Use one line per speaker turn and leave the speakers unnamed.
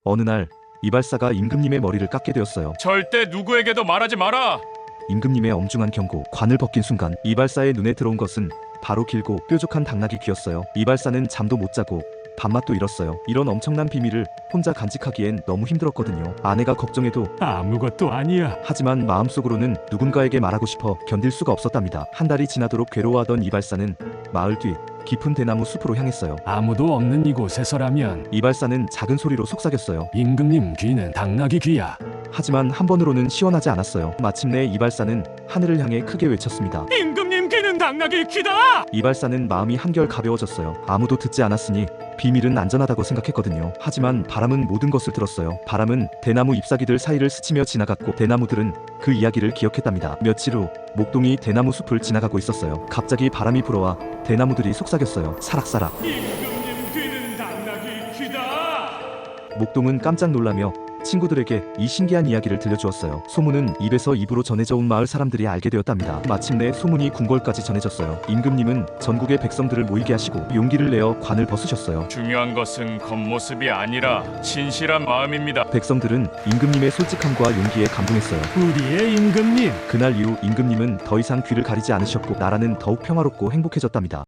어느 날 이발사가 임금님의 머리를 깎게 되었어요.
절대 누구에게도 말하지 마라.
임금님의 엄중한 경고, 관을 벗긴 순간 이발사의 눈에 들어온 것은 바로 길고 뾰족한 당나귀 귀였어요. 이발사는 잠도 못 자고 밥맛도 잃었어요. 이런 엄청난 비밀을 혼자 간직하기엔 너무 힘들었거든요. 아내가 걱정해도
아무것도 아니야.
하지만 마음속으로는 누군가에게 말하고 싶어 견딜 수가 없었답니다. 한 달이 지나도록 괴로워하던 이발사는 마을 뒤 깊은 대나무 숲으로 향했어요.
아무도 없는 이곳에서라면
이발사는 작은 소리로 속삭였어요.
임금님 귀는 당나귀 귀야.
하지만 한 번으로는 시원하지 않았어요. 마침내 이발사는 하늘을 향해 크게 외쳤습니다.
임금님 귀는 당나귀 귀다.
이발사는 마음이 한결 가벼워졌어요. 아무도 듣지 않았으니 비밀은 안전하다고 생각했거든요. 하지만 바람은 모든 것을 들었어요. 바람은 대나무 잎사귀들 사이를 스치며 지나갔고 대나무들은 그 이야기를 기억했답니다. 며칠 후 목동이 대나무 숲을 지나가고 있었어요. 갑자기 바람이 불어와 대나무들이 속삭였어요. 사락사락.
임금님 귀는 당나귀 귀다.
목동은 깜짝 놀라며 친구들에게 이 신기한 이야기를 들려주었어요. 소문은 입에서 입으로 전해져 온 마을 사람들이 알게 되었답니다. 마침내 소문이 궁궐까지 전해졌어요. 임금님은 전국의 백성들을 모이게 하시고 용기를 내어 관을 벗으셨어요.
중요한 것은 겉모습이 아니라 진실한 마음입니다.
백성들은 임금님의 솔직함과 용기에 감동했어요.
우리의 임금님.
그날 이후 임금님은 더 이상 귀를 가리지 않으셨고 나라는 더욱 평화롭고 행복해졌답니다.